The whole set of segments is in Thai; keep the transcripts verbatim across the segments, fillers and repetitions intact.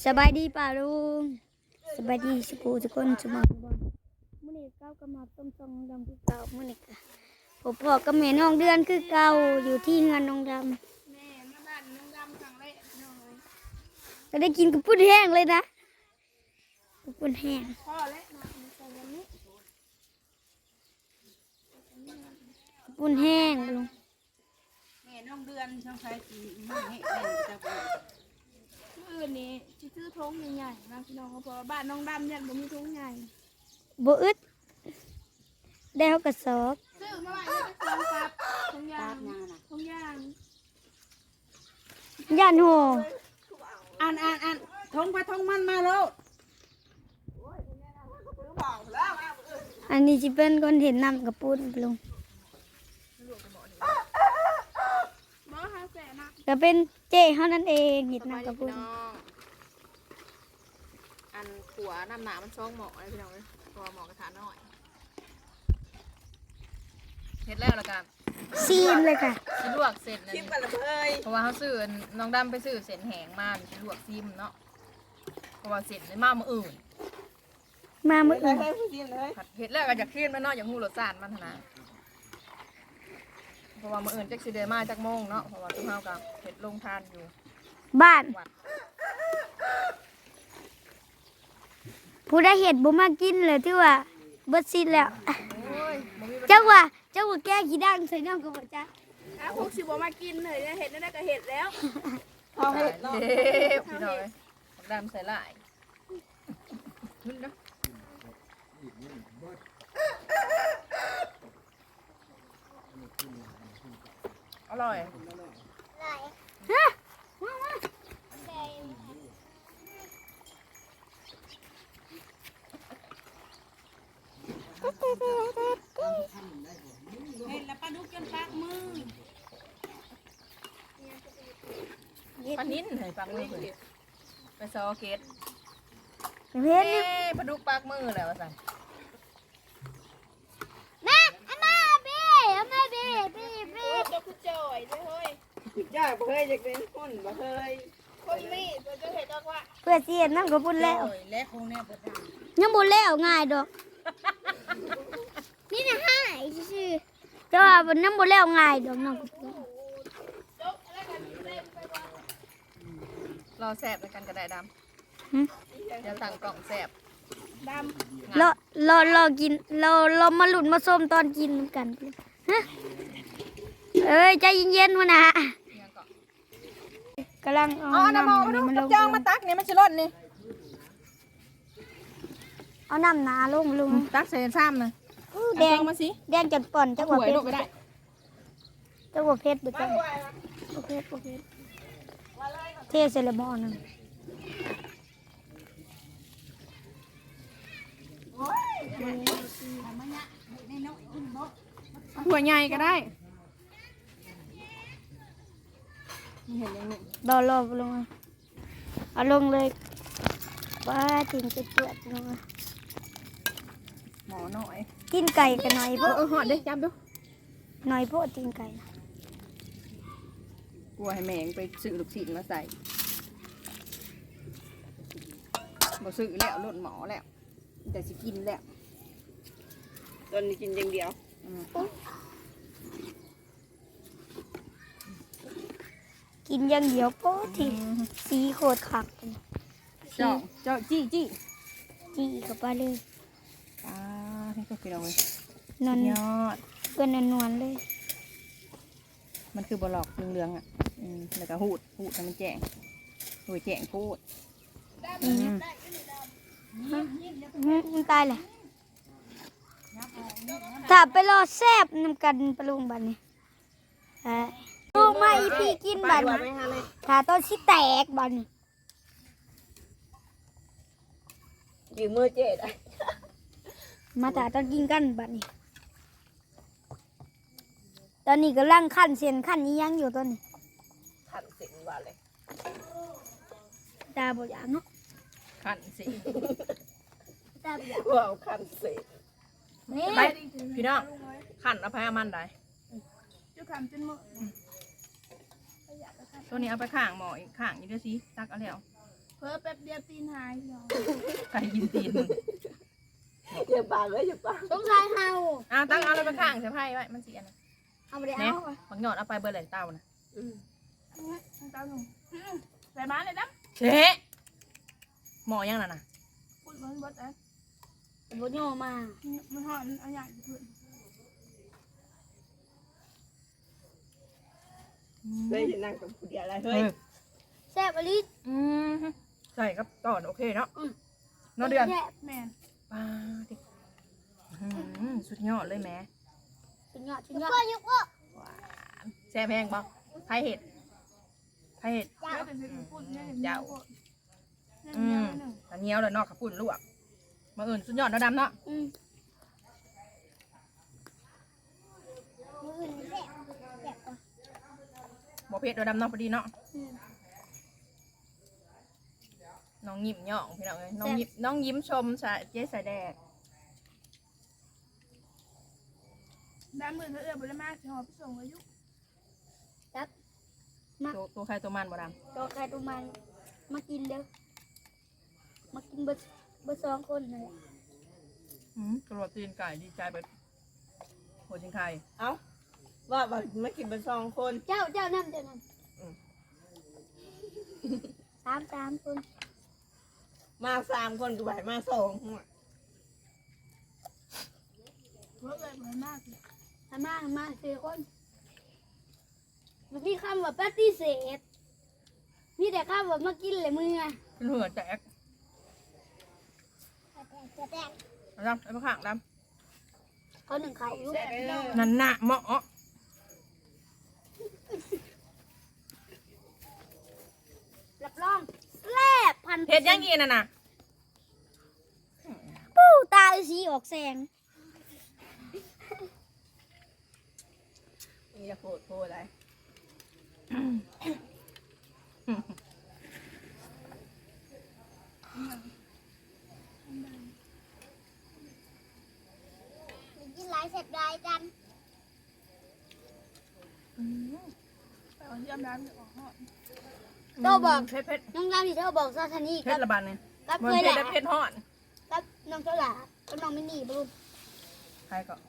สบายดีป่าลุงสบายดีสกูทุกคนสมองบอลมื้อนี้เก้าก็มาต้มซองดำคือเก่ามื้อนี้ก็ผมพ่อกับแม่น้องเดือนคือเก่าอยู่ที่งานน้องดำแม่มาบ้านน้องดำครั้งแรกน้องเลยก็ได้กินกระปุ้นแห้งเลยนะกระปุ้นแห้งพ่อและน้องใส่วันนี้กระปุ้นแห้งลุงแม่น้องเดือนช่างไฟสีมือให้แม่จะไปอื่นนี่จะซื้อทงใหญ่ๆนะพี่น้องเพราะว่าบ้านน้องดำเนี่ยมันมีทงใหญ่บ่อึดได้เขากระสอบซื้อมาไว้ในกระสอบครับทงยางทงยางย่านโหอ่านอ่านอ่านทงไปทงมันมาแล้วอันนี้จะเป็นคนเห็นน้ำกระปุ้นลุงบ่ฮาแสนะก็เป็นเจ้เขานั่นเองเห็นน้ำกระปุ้นอันขัวน้ำหนามันช่องหมอกเลยพี่น้องเลยตัวหมอกกระถางน้อยเห็ดแล้วละกันซีมเลยค่ะชิลวกเสร็จเลยเพราะว่าเขาซื้อน้องดำไปซื้อเส้นแห้งมาชิลวกซีมเนาะเพราะว่าเสร็จในมาเมื่ออื่นมาเมื่ออื่นเห็ดแล้วก็อยากขึ้นมันเนาะอย่างหูรสชาติมันนะเพราะว่าเมื่ออื่นจักสิเดมาจักโมงเนาะเพราะว่าตุ้งเฮากับเห็ดลงทานอยู่บ้านผู้ได้เห็ดบ่มากินเลยที่ว่าเบิดสิ้นแล้วเจ้าว่าเจ้าว่าแก้ขี้ดังใส่น้ำกับบ่จ้าอ้าวพวกสิบ่มากินเลยเห็ดนั่นก็เห็ดแล้วเอาเห็ดเนาะพี่น้อยดำใส่ลายขึ้นนะอร่อยฮะเห็นแล้วปลาดุกจนปากมือปลานิ้นเหรอปากมือไปซอเกตเห็นปลาดุกปากมือแล้วสั่งแม่อามาเบ้อามาเบ้เบ้เบ้เจ้าคุณจ่อยด้วยเฮ้ยจ่อยบ่เคยจะเป็นคนบ่เคยคนมีตัวจะเห็ดดอกว่าเพื่อเสียน้ำกับปุ่นแล้วแล้วคงแน่บ่ได้ยังบุญแล้วง่ายดอกนี่นะให้ชื่อเจ้าว่าบนน้ำบุญแล้วง่ายดอกน้องรอแสบกันกระไดดำเดี๋ยวสั่งกล่องแสบดำรอรอรอกินเราเรามาหลุดมาส้มตอนกินกันฮะเอ้ยใจเย็นๆวะนะกำลังเอาน้ำมันมันจ้องมาตักนี่มันชิลดนี่เอาน้ำหนาลงลุงตักใส่ซ้ำนะแดงมาสิแดงจัดป่อนจังหวะเพชรจังหวะเพชรดูกันโอเคโอเคเทเซเลมอนนึงหัวใหญ่ก็ได้รอรอลงเอาลงเลยป้าทิ้งจะเปื่อยลงหมอหน่อยกินไก่กันหน่อยพวกเออหอดได้จับดูหน่อยพวกกินไก่กลัวให้แมงไปซื้อลูกชิ้นมาใส่บ่ซื้อแล้วลดหมอแล้วแต่สิกินแล้วตอนนี้กินอย่างเดียวกินอย่างเดียวโป๊ทีสีโคตรขักเจ้าเจ้าจี้จี้จี้เข้าไปเลยอ่าให้ก็กินเอาเลยนอนยอดเพื่อนนวลเลยมันคือบลอกเหลืองๆอ่ะแล้วก็หูดหูดให้มันแจ้งหูดแจ้งพูดมันตายเลยถ้าไปรอแซบน้ำกันปลุงบันนี่ลูกมาอีพีกินบันถ้าต้นชิแตกบันยืมมือเจ๊ได้มาถ้าต้นกินกันบันนี่ตอนนี้กำลังขั้นเสียนขั้นนี้ยังอยู่ตอนนี้ขั้นสิว่าเลยตาบอดอย่างเนาะขั้นสิตาบอดอย่างว้าวขั้นสินี่พี่น้องขั้นเอาไปเอามันได้จุขันจนหมดตัวนี้เอาไปข้างหมออีกข้างอยู่ด้วยสิตักเอาแล้วเพิ่มแป๊บเดียวตีนหายพี่น้องใครกินตีนมึงอย่าปากเลยอย่าปากสงสัยเฮาอ่ะตั้งเอาอะไรไปข้างเสียไพ่ไว้มันเสียนะเอาไปได้เนี่ยเอาบักหยอดเอาไปเบอร์ไหนเต้านะอืมตาหนุ่มใส่มาเลยนะเชะหมอยังน่ะนะพูดมันบดอ่ะบ่ย่อมามันหอมเอาอย่างอื่นเฮ้ยอย่านั่งกับผู้เดียวอะไรเฮ้เฮ้ยยแซ่บอลิอืมใช่ครับตอนโอเคเนาะอืมเนอเดือนแซ่บแม่นป้าดิอื้อหือสุดยอดเลยแหม่สุดยอดสุดยอดยกว่าหวานแซ่บแพงบ่ไผ่เห็ดไผ่เห็ดเจ้าแต่สิพูดเนี่ยเจ้าเนี่ยอืเนี่มยหนึ่งอันเหนียวเลยเนอกขับปุ่นลวกมาอื่นสุดยอดเนาะดำเนาะอืมมื้ออื่นแซ่บแซ่บกว่าบ่เผ็ดเนาะดำเนาะพอดีเนาะอืมน้องยิ้มย่องพี่น้องเอ้ยน้องยิ้มน้องยิ้มชมสายเจ๊สายแดกด้านมือเขาเอื้อบริมาสิหอพี่ส่งอายุตัวตัวใครตัวมันบ่ดตัวใครตัวมันมากินเด้อมากินเบอร์เบอร์สองคนนั่นแหละำอืมกระโดดตีนไก่ดีใจไปหัวจิงไข่เอ้าว่าว่ามากินเป็นสองคนเจ้าเจ้านั่นเจ้านั่นอืมสามสามคนมาสามคนกูไปมาสองเพิ่มเลยเพิ่มมากเลยทำมาทำมาสี่คนมันมีคำว่าปฏิเสธมีแต่คำว่ามากินเลยมึงอะเป็นหัวแตกจะแตกเอาดำไอ้พวกข้างดเขาหนึ่งเขาอยู่แซ่บพี่น้องำนั่นน่ะเหมาะรับรองแซ่บพันเผ็ดยังงี้น่ะน่ะปู้ตาสีออกแสงอย่าโผล่โผล่อะไรกินหลายเสร็จรายกันเอาเยี่ยมน้ำจะออกหอดโตบอกเผ็ดเผ็ดน้องรามที่เธอบอกซาทานี่เผ็กัดบระบาดเนี่ยกับมันเคยแหเผ็ดละและเผ็ดฮอดกับน้องเจ้าหล่ากับน้องไม่หนีบลูกใครก็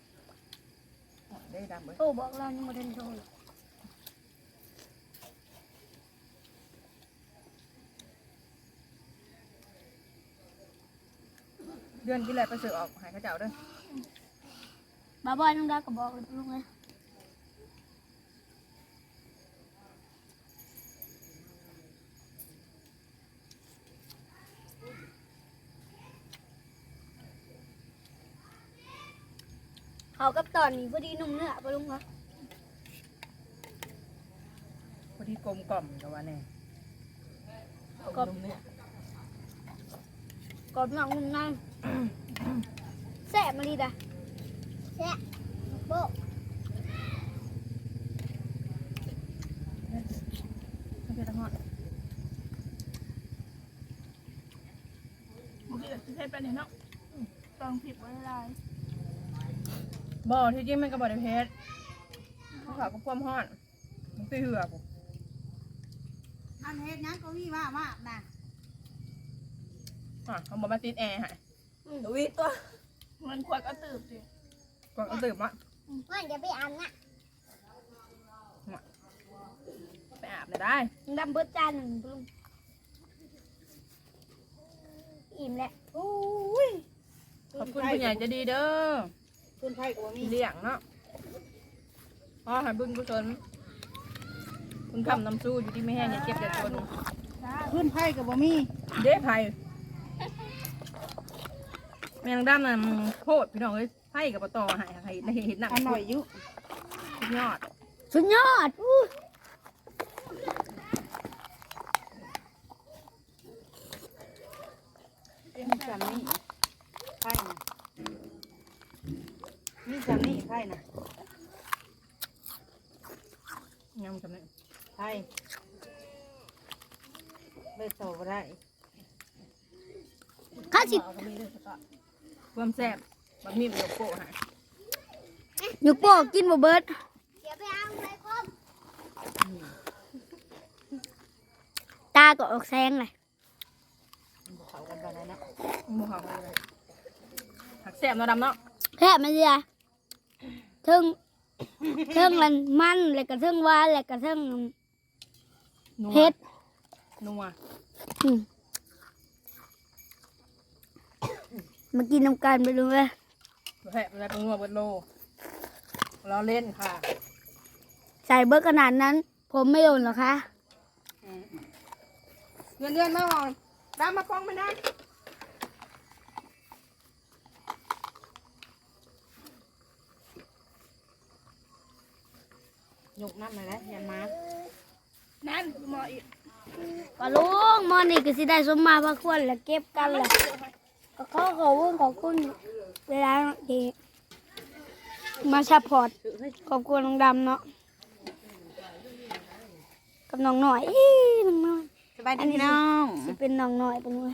ได้ดำเลยโตบอกเรานี่โมเดลโตเดือนที่แล้วไปซื้อออกหายข้าเจ้าเด้อบ้าบอยน้องดาก็บอกลูกเลยเขากับตอนนี้พอดีนุ่มเนื้อปะลุงคะพอดีกลมกล่อมกับว่าแน่กบเนี่ยกรอบนอกนุ่มในแซ่บมาดีดะแซ่บโบเผ็ดฮอดบางทีจะเทไปเนี่ยเนาะตองผิดไว้ลายบ่ที่จริงมันก็บ่ได้เผ็ดเขาขาวก็ความฮอดมันตีเหือกอันเฮ็ดนั้นก็มีว่าว่าน่ะอ่ะเขาบอกมาติดแอร์ให้วิตัวมันขวดก็ตืบสิก่อนเอาตื่นมามันจะไปอาบน่ะไปอาบเลยได้ดำเบิดจานหนึ่งปะลุงอิ่มแล้วโอ้ยขอบคุณผู้ใหญ่ใจะดีเด้อคุณไพ่กับว่ามีที่เลี้ยงเนาะพ่อใหายบุญกุศลคุณคำน้ำสู้อยู่ที่ไม่แห้งอย่าเก็บอย่าจนจ้าคุณไพ่กับว่ามีเด้ไผ่แมงด้ามน่ะมันโคตรพี่น้องเอ้ยไผ่กับปะตอใหายให้ในเห็นหนักอร่อยอยู่สุดยอดสุดยอดอู้มีจำนี่ไพ่นะมีจำนี่ไพ่นะยำจำเนี่ยไพ่ไม่โตก็ได้ข้าสิเอาก็มีด้วยสกะความแซ่บแบบมีประโยชน์โปะใหายหยุกโป้กินบ่เบิดเดี๋ยวไปเอาไปคมตาก็ออกแสงเลยหมูหอมเลยผักแซ่บเนาะดำเนาะแค่ไม่เดียเทิงเทิงมันมันแล้วก็เทิงหวานแล้วก็เทิงนัวเผ็ดนัวอืมมากินน้ำกันไปดูไหมแซ่บอะไรเป็นนัวเบิดโลเราเล่นค่ะใส่เบอร์ขนาดนั้น ผมไม่โดนหรอคะเงินเดือนมาหอมดำมาป้องไม่ได้ยกน้ำมาแล้วอย่ามานั่นหมออีกปลาลุงมอนี่ก็สิได้สมมาพระควรแล้วเก็บกันแหละก็ขอขอบคุณขอบคุณเวลาที่มาซัพพอร์ตขอบคุณน้องดำเนาะกับน้องหน่อยอีน้องน้อยสบายดีพี่น้องสิเป็นน้องหน่อยเป็นไง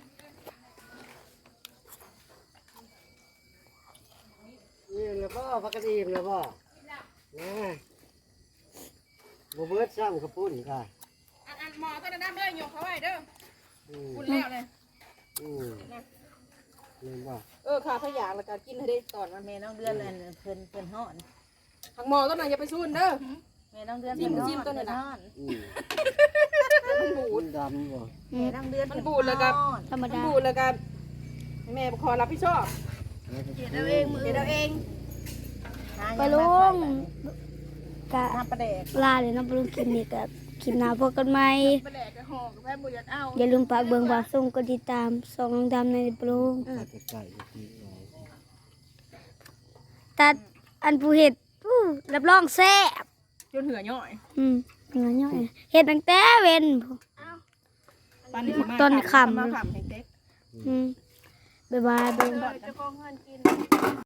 นี่แล้วบ่พักกระดีมแล้วบ่นะบ่เบิดซ้ำกระปุ่นค่ะอันอันหมอต้นน้ำเด้อยกเขาไว้เด้ออืมพูดแล้วเลยอืมนี่บ่เออค่ะถ้าอยากแล้วก็กินให้ได้ตอนมันแม่น้องเดือนอันเพิ่นเพิ่นฮ้อนทางหมอต้นไหนอย่าไปซูนเด้อแม่น้องเดือนจิ้มเพิ่ฮ้อจิ้มตัวนี้นะเพิ่ฮ้อนอืมมันบูมัดนดำบ่แม่น้องเดือนมันบูดแล้วก็ฮ้อนธรรมมันดาบูดแล้วก็แม่ขอรับผิดชอบเฮ็ดเดี๋ยวเองมือเดี๋ยวเองปลาลุงกะน้ำปลาแดกลาเลยเนาะปลาลุงคลิปนี้กับคลิปหน้าพบกันใหม่ไปแดกกระหอกกับแพทย์บุญยัดเอาอย่าลืมฝากเบิ่งฝากส่งกดติดตามส่องน้องดำในปลาลุงตัดไก่อีกหน่อยตัดอันผู้เห็ดอู้รับรองแซ่บจนเหือย่อยอืมเหนือย่อยเห็ดตั้งแต่เว้นพู้ปานนี้สิมาต้นขำมาขำให้เต็กอืมบ๊ายบายเบิ่งจะกองเงินกิน